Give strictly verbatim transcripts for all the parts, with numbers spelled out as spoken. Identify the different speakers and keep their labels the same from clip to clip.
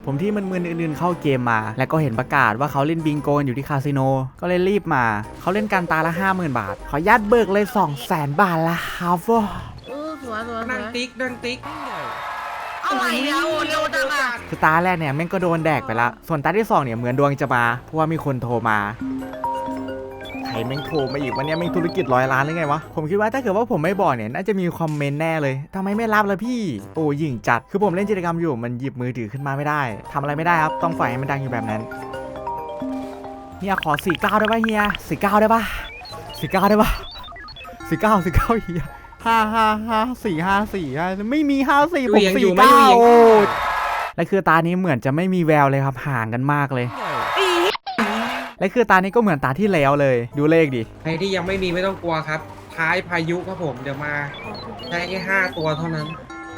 Speaker 1: ผมที่มึนๆอื่นๆเข้าเกมมาแล้วก็เห็นประกาศว่าเขาเล่นบิงโกอยู่ที่คาสิโนก็เลยรีบมาเขาเล่นการตาละ ห้าหมื่น บาทขอยัดเบิกเลย สองแสน บาทละครับ
Speaker 2: เออสวยสวย
Speaker 3: ดังติ๊กดังติ๊ก
Speaker 2: อะไรเนี่ยโอ้เร็วจังอ่ะ
Speaker 1: คือตาแรกเนี่ยแม่งก็โดนแดกไปละส่วนตาที่สองเนี่ยเหมือนดวงจะมาเพราะว่ามีคนโทรมาใครแม่งโทรมาอีกวันนี้แม่งธุรกิจร้อยล้านหรือไงวะผมคิดว่าถ้าเกิดว่าผมไม่บอกเนี่ยน่าจะมีคอมเมนต์แน่เลยทำไมไม่รับล่ะพี่โอ้ยิงจัดคือผมเล่นกิจกรรมอยู่มันหยิบมือถือขึ้นมาไม่ได้ทำอะไรไม่ได้ครับต้องปล่อยให้มันดังอยู่แบบนั้นเฮียขอสี่เก้าได้ป่ะเฮียสี่เก้าได้ป่ะสี่เก้าได้ป่ะสี่เก้าสี่เก้าเฮียห้าห้าห้าสี่ห้าสี่ไม่มีห้าสี่ผมสี่เก้าโอ้และคือตานี้เหมือนจะไม่มีแววเลยครับห่างกันมากเลยและคือตานี้ก็เหมือนตาที่แล้วเลยดูเลขดิ
Speaker 3: ใครที่ยังไม่มีไม่ต้องกลัวครับ ท้ายพายุครับผมเดี๋ยวมาใช้แค่ห้าตัวเท่านั้น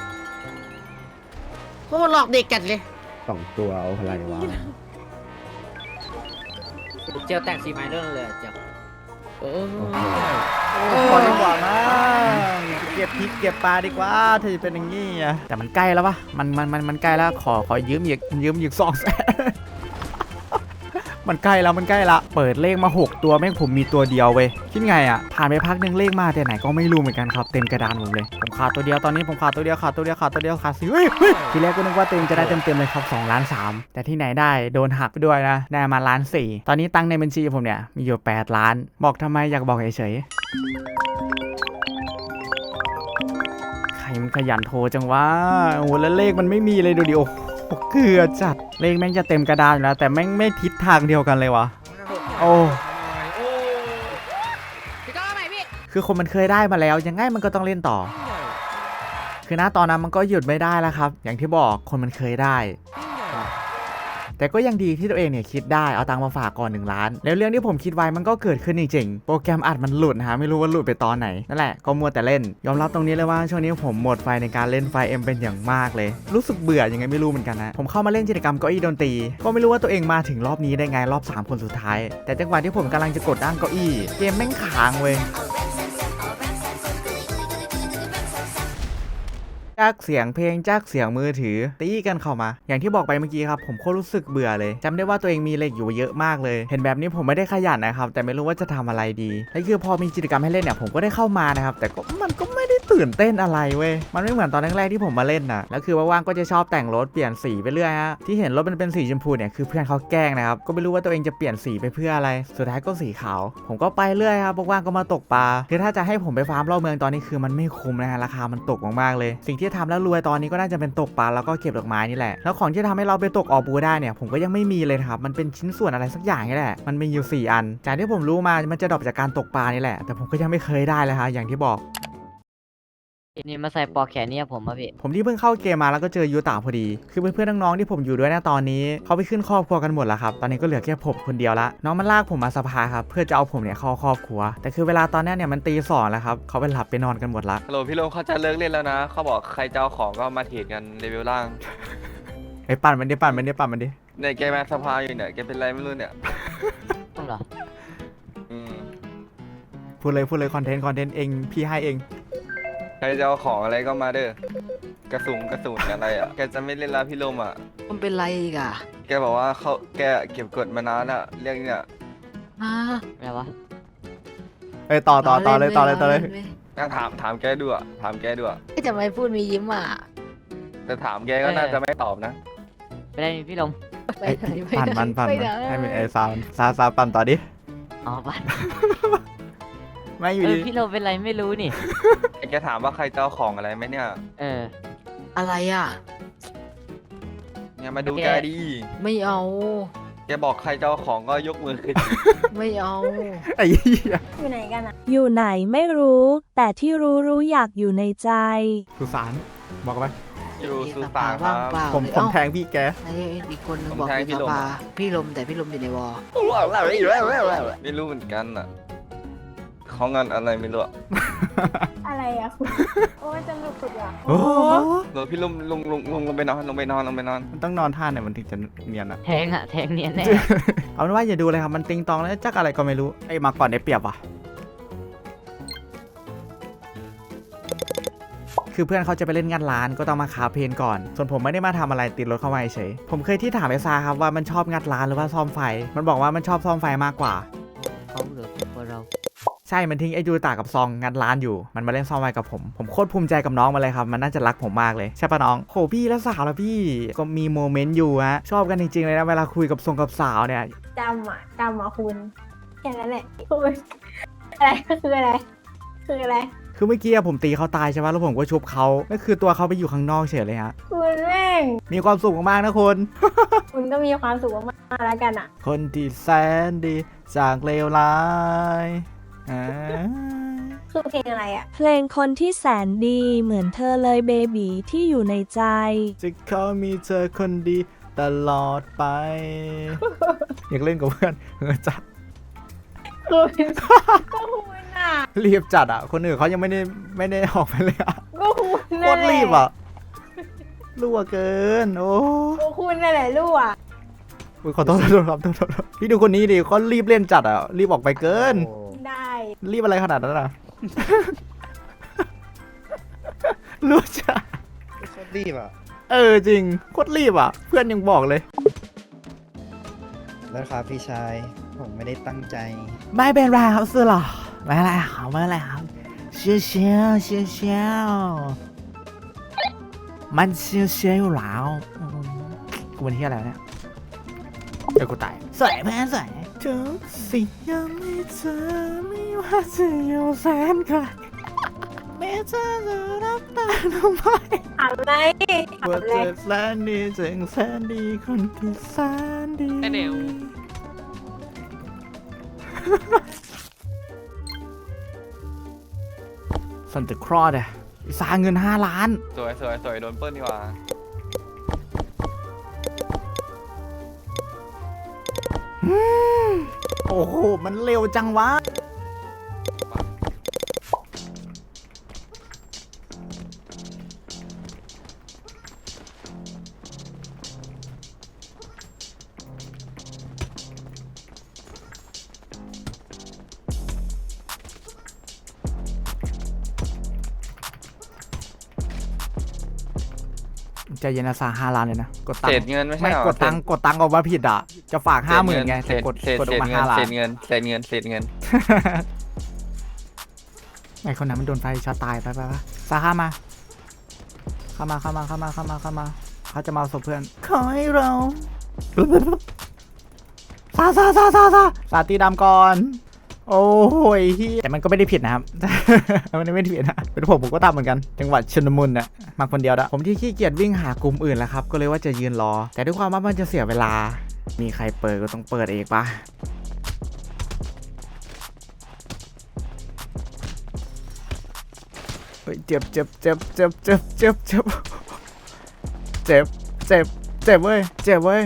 Speaker 2: โคตรหลอกเด็กจัดเลย
Speaker 4: สองตัวเอาอะไรวะ
Speaker 5: เจียวแต่งสีไม้เรื่องเลยเจียว
Speaker 2: โอ้
Speaker 1: พอดีกว่านะเก็บพริกเก็บปลาดีกว่าถ้าจะเป็นอย่างงี้อะแต่มันใกล้แล้วปะมันมันมันมันใกล้แล้วขอขอยืมอีกยืมอีกสองแสนมันใกล้แล้วมันใกล้ละเปิดเลขมาหกตัวแม่งผมมีตัวเดียวเว้ยคิดไงอ่ะผ่านไปพักหนึ่งเลขมาแต่ไหนก็ไม่รู้เหมือนกันครับเต็มกระดานผมเลยผมขาดตัวเดียวตอนนี้ผมขาดตัวเดียวขาดตัวเดียวขาดตัวเดียวขาดสิเฮ้ยเฮ้ยทีแรกก็นึกว่าตัวเองจะได้เต็มเต็มเลยครับสองล้านสามแต่ที่ไหนได้โดนหักไปด้วยนะได้มาล้านสี่ตอนนี้ตังค์ในบัญชีผมเนี่ยมีอยู่แปดล้านบอกทำไมอยากบอกเฉยๆใครมันขยันโทรจังวะโอ้โหแล้วเลขมันไม่มีเลยดูดิโอ้เกลือจัดเลขแม่งจะเต็มกระดานอยู่แล้วแต่แม่งไม่ทิศทางเดียวกันเลยวะโอ้
Speaker 2: พี่ก้าวใหม่พี่
Speaker 1: คือคนมันเคยได้มาแล้วยังไงมันก็ต้องเล่นต่อคือณตอนนั้นมันก็หยุดไม่ได้แล้วครับอย่างที่บอกคนมันเคยได้แต่ก็ยังดีที่ตัวเองเนี่ยคิดได้เอาตังค์มาฝากก่อนหนึ่งล้านแล้วเรื่องที่ผมคิดไว้มันก็เกิดขึ้นจริงๆโปรแกรมอัดมันหลุดนะฮะไม่รู้ว่าหลุดไปตอนไหนนั่นแหละก็มัวแต่เล่นยอมรับตรงนี้เลยว่าช่วงนี้ผมหมดไฟในการเล่นไฟเอ็มเป็นอย่างมากเลยรู้สึกเบื่อยังไงไม่รู้เหมือนกันนะผมเข้ามาเล่นกิจกรรมเก้าอี้ดนตรีก็ไม่รู้ว่าตัวเองมาถึงรอบนี้ได้ไงรอบสามคนสุดท้ายแต่จังหวะที่ผมกำลังจะกดด้านเก้าอี้เกมแม่งค้างเว้ยจากเสียงเพลงจากเสียงมือถือตีกันเข้ามาอย่างที่บอกไปเมื่อกี้ครับผมโคตรรู้สึกเบื่อเลยจำได้ว่าตัวเองมีเหล็กอยู่เยอะมากเลยเห็นแบบนี้ผมไม่ได้ขยันนะครับแต่ไม่รู้ว่าจะทำอะไรดีและคือพอมีกิจกรรมให้เล่นเนี่ยผมก็ได้เข้ามานะครับแต่ก็มันก็ไม่ได้ตื่นเต้นอะไรเว้ยมันไม่เหมือนตอนแรกๆที่ผมมาเล่นนะแล้วคือว่างๆก็จะชอบแต่งรถเปลี่ยนสีไปเรื่อยฮะที่เห็นรถมันเป็นสีชมพูเนี่ยคือเพื่อนเขาแกล้งนะครับก็ไม่รู้ว่าตัวเองจะเปลี่ยนสีไปเพื่ออะไรสุดท้ายก็สีขาวผมก็ไปเรื่อยครับว่างๆก็มาตกปลาคือถ้าจะให้ผมไปฟาร์มรอบเมืองตอนนี้คือมันไม่คุ้มนะฮะราคามันตกมากๆเลยสิ่งที่ทำแล้วรวยตอนนี้ก็น่าจะเป็นตกปลาแล้วก็เก็บดอกไม้นี่แหละแล้วของที่ทำให้เราไปตกออบูได้เนี่ยผมก็ยังไม่มีเลยครับมันเป็นชิ้นส่วนอะไรสักอย่างนี่แหละมันมีอยู่สี่อันจากที่ผมรู้มามันจะดรอปจากการตกปลานี่แหละแต่ผมก็ยังไม่เคยได้เลยฮะอย่างที่บอก
Speaker 5: นี่มาใส่ปลอกแขนเนี่ยผมอะพี่
Speaker 1: ผมที่เพิ่งเข้าเกมมาแล้วก็เจอยูตาพอดีคือเพื่อนๆน้องๆที่ผมอยู่ด้วยนะตอนนี้เขาไปขึ้นครอบครัวกันหมดแล้วครับตอนนี้ก็เหลือแค่ผมคนเดียวละน้องมันลากผมมาสภาครับเพื่อจะเอาผมเนี่ยเข้าครอบครัวแต่คือเวลาตอนนี้เนี่ยมันตีสองแล้วครับเขาไปหลับไปนอนกันหมดละ
Speaker 6: ฮัลโหลพี่ลงเขาจะเลิกเล่นแล้วนะเขาบอกใครจะเอาของก็มาเทรดกันเลเวลล่าง
Speaker 1: ไอ้ปั่นมันดิปั่นมันดิปั่นมันดิ
Speaker 6: เนี่ยแกมาสภาอยู่เนี่ยแกเป็นไรไม่รู้เนี่ย
Speaker 5: ต้องเหรอ
Speaker 6: อืม
Speaker 1: พูดเลยพูดเลยคอนเทนต์คอนเทนต์เองพี่ให้เอง
Speaker 6: ใครจะเอาของอะไรก็มาเด้อกระสุนกระสุนอะไรอ่ะแกจะไม่เล่นแล้วพี่ลมอ่ะ
Speaker 2: มันเป็นไรอีกอ่ะ
Speaker 6: แกบอกว่าเขาแกเก็บกดมานานอ่ะเรื่องเนี่ย
Speaker 2: ฮะ
Speaker 5: อะไรวะ
Speaker 1: เอ้ยต่อต่อต่อเลยต่อเลยต่อเลย
Speaker 6: งั้นถามถามแกดูอ่ะถามแกดูอ่ะ
Speaker 2: ไม่จะไม่พูดมียิ้มอ่ะ
Speaker 6: แต่ถามแกก็น่าจะไม่ตอบนะ
Speaker 5: ไม่ได้มีพี่ลม
Speaker 2: ไป
Speaker 1: ไอ้
Speaker 2: ไหนไป
Speaker 1: ปั่น
Speaker 2: ไหน
Speaker 1: มันปั่น
Speaker 2: ไป
Speaker 1: มัน
Speaker 2: ไหน
Speaker 1: ให้มันไอ้ซาวซาซาปั่นต่อดิ
Speaker 5: อ๋อปัน
Speaker 1: ไม่อยู่
Speaker 5: เออ
Speaker 1: ดี
Speaker 5: พี่ลมเป็นไรไม่รู้นี่
Speaker 6: แกถามว่าใครจะเอาของอะไรไหมเนี่ย
Speaker 5: เออ
Speaker 2: อะไรอ่ะ
Speaker 6: เนี่ยมาดู
Speaker 5: โอเค
Speaker 6: แกดี
Speaker 2: ไม่เอา
Speaker 6: แกบอกใครจะเอาของก็ยกมือขึ้น
Speaker 2: ไม่เอา
Speaker 1: ไอ้เหี้ย
Speaker 7: อยู่ไหนกันอะ
Speaker 8: อยู่ไหนไม่รู้ แต่ที่รู้รู้อยากอยู่ในใจ
Speaker 1: สุสานบอกไป
Speaker 6: อยู่สุสาน
Speaker 2: สภ
Speaker 6: ค
Speaker 2: ว่าง
Speaker 6: รับ
Speaker 2: เปล่า
Speaker 1: ผมผมแทงพี่แก
Speaker 2: ไอ้อีกคนนึง
Speaker 6: ผม
Speaker 2: บอก
Speaker 6: แทง
Speaker 2: อยู่
Speaker 6: พี่
Speaker 2: ส
Speaker 6: ลม
Speaker 2: ภา
Speaker 6: อะ
Speaker 2: พี่ลมแต่พี่ลมอยู่ในวอ
Speaker 6: ไม่รู้เหมือนกันอ่ะเขางานอะไรไม่รู้อะ
Speaker 7: อะไรอะคุณ โอ้ยจะหลุดสุดอะ
Speaker 1: โอ้โห
Speaker 6: เดี๋ยวพี่ลงลงลงลงลงไปนอนลงไปนอนลงไปนอน
Speaker 1: มันต้องนอนท่าเนี่ยมันถึงจะเนียนอะ
Speaker 5: แทงอะแทงเนียนแน่
Speaker 1: เอาเป็นว่าอย่าดูเลยครับมันติงตองแล้วจักอะไรก็ไม่รู้ไอ้มาก่อนได้เปรียบว่ะคือเพื่อนเขาจะไปเล่นงานร้านก็ต้องมาคาเพนก่อนส่วนผมไม่ได้มาทำอะไรติดรถเข้ามาเฉยผมเคยที่ถามไอ้ซาครับว่ามันชอบงัดร้านหรือว่าซ่อมไฟมันบอกว่ามันชอบซ่อมไฟมากกว่า
Speaker 5: เขาเหลือพวกเรา
Speaker 1: ใช่มันทิ้งไอ้ยูตากับซองงัดร้านอยู่มันมาเล่นซ่อมไฟกับผมผมโคตรภูมิใจกับน้องมาเลยครับมันน่าจะรักผมมากเลยใช่ปะน้องโหพี่แล้วสาวแล้วพี่ก็มีโมเมนต์อยู่ฮะชอบกันจริงๆเลยนะเวลาคุยกับทรงกับสาวเนี่ย
Speaker 7: จำอ่ะจำอ่ะคุณแค่นั้นแหละคุณอะไรก็คืออะไร คืออะไร
Speaker 1: คือเมื่อกี้ผมตีเขาตายใช่ปะแล้วผมก็ชุบเขาก็คือตัวเขาไปอยู่ข้างนอกเฉยเลยฮะ
Speaker 7: คุณแม่ง
Speaker 1: มีความสุขมากๆนะคุณ
Speaker 7: คุณก็มีความสุขมากๆแล้วกันอ่ะ
Speaker 1: คนที่แสนดีจากเลวร้ายอ่า
Speaker 7: คือเพลงอะไรอ่ะ
Speaker 8: เพลงคนที่แสนดีเหมือนเธอเลยเบบีที่อยู่ในใจ
Speaker 1: จะขอมีเธอคนดีตลอดไป อยากเล่นกับเพื่อนเออจัด
Speaker 7: คุณก็คุณอ่ะ
Speaker 1: รีบจัดอ่ะ คนอื่นเขายังไม่ได้ไม่ได้ออกไปเลยอ่ะ
Speaker 7: ก็คุณ
Speaker 1: โคตรรีบอ่ะรั่วเกิน โอ้
Speaker 7: ก็คุณนั่นแหละลูกอ่ะ
Speaker 1: อุ๊ยขอโทษขอโทษครับขอโทษครับพี่ดูคนนี้ดิเขารีบเล่นจัดอ่ะ รีบออกไปเกิน
Speaker 7: ได้
Speaker 1: รีบอะไรขนาดนั้นอ่ะ รู้จัก
Speaker 4: โคตรรีบอ่ะ
Speaker 1: เออจริงโคตรรีบอ่ะ เพื่อนยังบอกเลย
Speaker 4: แล้วครับพี่ชาย ผมไม่ได้ตั้งใจ
Speaker 1: ไม่เป็นไรครับสุดหรอไม่เป็นไรครับไม่เป็นไรครับเชียวเชียวเชียวเชียวมันเชียวเชียวอยู่แล้วอืมกูเป็นที่อะไรเนี่ยเดี๋ยวกูตายสวยเพื่อนสวยทุกสิ่งยังไม่เจอไม่ว่าจะอยู่แสนไกลแม้เธอจะรับตาทำไม
Speaker 7: ถามอะไรถาม
Speaker 1: ว่า
Speaker 7: อะไร
Speaker 1: เธอแสนดีจึงแสนดีคนที่แสนดี
Speaker 9: ไอ้เดี๋ยว
Speaker 1: สันติครอดอะสร้างเงินห้าล้าน
Speaker 6: สวยสวยสวยโดนเปิ้ลดีกว่า
Speaker 1: โอ้โห มันเร็วจังวะ ใจเย็นนะสาห้าล้านเลยนะ กดตัง
Speaker 6: เศษ
Speaker 1: ค์
Speaker 6: เงินไม่ใช่
Speaker 1: ไม่
Speaker 6: เหรอก
Speaker 1: ดตังค์กดตังค์ออกมาผิดอ่ะ จะฝากห้าหมื่นไง
Speaker 6: เศ
Speaker 1: แต่
Speaker 6: ษ
Speaker 1: กด
Speaker 6: เศษ
Speaker 1: กดอ
Speaker 6: เศ
Speaker 1: อก
Speaker 6: ษ
Speaker 1: มา
Speaker 6: เงิ
Speaker 1: ห้าน ล้า
Speaker 6: เศ
Speaker 1: น
Speaker 6: ษเงินเศษเงินเศษเงิน
Speaker 1: ไอคนนั้นมันโดนไฟช็อตตายไปไปไปซาเข้ามา เข้ามาเข้ามาเข้ามาเข้ามาเข้ามาเขาจะมาเอาศพเพื่อนขอให้เราซาซาซาซาซาซาตีดำก่อน โอ้ยเฮียแต่มันก็ไม่ได้ผิดนะครับ มันไม่ได้ผิดนะเป็นผมผมก็ตามเหมือนกันจังหวัดชนมุนน่ะมาคนเดียวนะผมที่ขี้เกียจวิ่งหากลุ่มอื่นแล้วครับก็เลยว่าจะยืนรอ แต่ด้วยความว่ามันจะเสียเวลา มีใครเปิดก็ต้องเปิดเองปะเฮ้ยเจ็บเจ็บเจ็บเจ็บเจ็บเจ็บเจ็บเจ็บเจ็บเจ็บเว้ยเจ็บเว้ย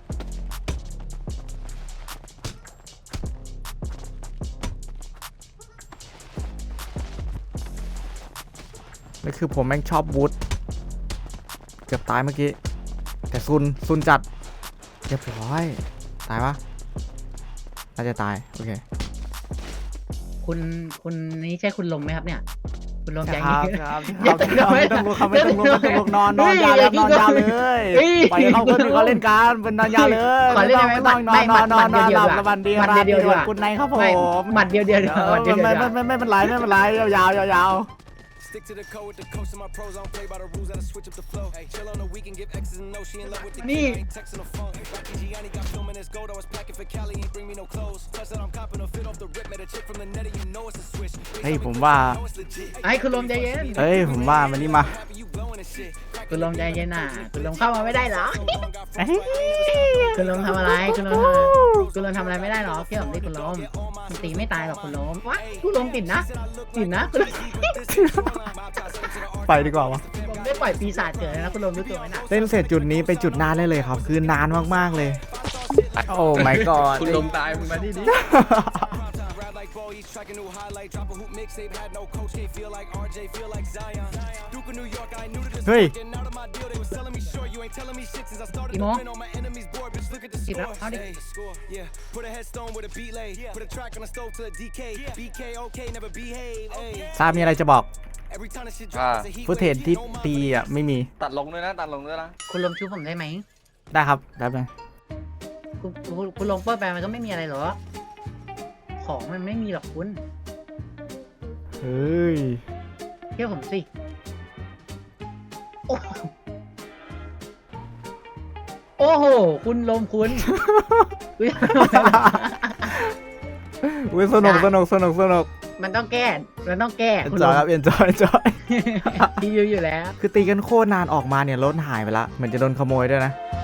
Speaker 1: นี่คือผมแม่งชอบวูดเกือบตายเมื่อกี้แต่ซุนซุนจัดเรียบร้อยตายปะน่าจะตายโอเค
Speaker 10: คุณคุณนี่ใช่คุณลมไหมครับเนี่ย คุณลมใจ
Speaker 1: ค
Speaker 10: เย็
Speaker 1: รับ
Speaker 10: น
Speaker 1: ครับครับไม่ต้องลุกครับไม่ต้องลุกไม่ต้องลุกนอนนอนยาวแล้วนอนยาวเลย
Speaker 10: เฮ้ย
Speaker 1: ปล่อยให้เขาคนอื่นเขาเล่นกันเป็นนอนยาวเลย
Speaker 10: ขอเล่นได้ไหม
Speaker 1: ไม่ต้องนอน
Speaker 10: ไม่
Speaker 1: นอนนอนนอน
Speaker 10: หมัด
Speaker 1: หลับ
Speaker 10: เดียวๆ
Speaker 1: สวัสดี
Speaker 10: หมัด
Speaker 1: ราต
Speaker 10: เดียวๆ
Speaker 1: รี
Speaker 10: ดีกว่า
Speaker 1: คุณนายครับผม
Speaker 10: ไม่หมัดเดียวเดียวเดียวหมัดเดียวเดียว
Speaker 1: ไม่ไม่ไม่ไม่เป็นไรไม่เป็นไรยาวยาวยาว
Speaker 11: Stick to the code with the coach and my pros. I don't play by the rules. I just switch up the flow. Hey, chill on the weekend, give X's and no. She in love with the kid. I ain't texting the phone. Rocky Gianni got filming his gold. I was packing for Cali. Ain't bring me no clothes. Plus that I'm copping a fit off the rip. Met a chick from the net. You know it's a switch.
Speaker 1: เฮ้ยผมว่า
Speaker 10: ไอ้คุณลมใจเย็น
Speaker 1: เฮ้ยผมว่ามันนี่มา
Speaker 10: คุณลมใจเย็นน่ะ คุณลมเข้ามาไม่ได้เหรอ
Speaker 1: เฮ้ย
Speaker 10: คุณลมทำอะไร คุณลมทำอะไรคุณลมทำอะไรไม่ได้หรอเกี่ยวกับนี่คุณลมคุณตีไม่ตายหรอกคุณลมวะคุณลมติดนะติดนะคุณลม
Speaker 1: ไปดีกว่าวะ
Speaker 10: ผมได้ปล่อยปีศาจเกิดแล้วนะคุณลมรู้ตัวไหมนะ
Speaker 1: เล่นเสร็จจุดนี้ไปจุดนานได้เลยครับ คือนานมากๆเลย โอ้ my god
Speaker 3: คุณลมตายมึงมาที่นี่
Speaker 1: เฮ้ย
Speaker 10: กี่โมงสิบแล้วเอาดิ
Speaker 1: ทราบมีอะไรจะบอก
Speaker 6: อ่า
Speaker 1: ฟุตเทจที่ตีอ่ะไม่มี
Speaker 6: ตัดลงด้วยนะตัดลงด้วยนะ
Speaker 10: คุณลมชูผมได้ไหม
Speaker 1: ได้ครับแป๊บนึง
Speaker 10: คุณคุณคุณลงเปิดไปมันก็ไม่มีอะไรหรอกของมันไม่มีหรอกคุณ
Speaker 1: เฮ้ย
Speaker 10: เชื่อผมสิโอ้โอ้โหคุณลมคุณอุ๊ย
Speaker 1: อุ้ยสนุกสนุกสนุกสนุก
Speaker 10: มันต้องแก้ มันต้องแก้
Speaker 1: เอ็น
Speaker 10: คุณ
Speaker 1: จ
Speaker 10: ล
Speaker 1: อย
Speaker 10: ม
Speaker 1: ครับเอ็นจอยจอย
Speaker 10: ที่อยู่อยู่แล้ว
Speaker 1: คือตีกันโคตรนานออกมาเนี่ยรถหายไปละเหมือนจะโดนขโมยด้วยนะ
Speaker 10: ใ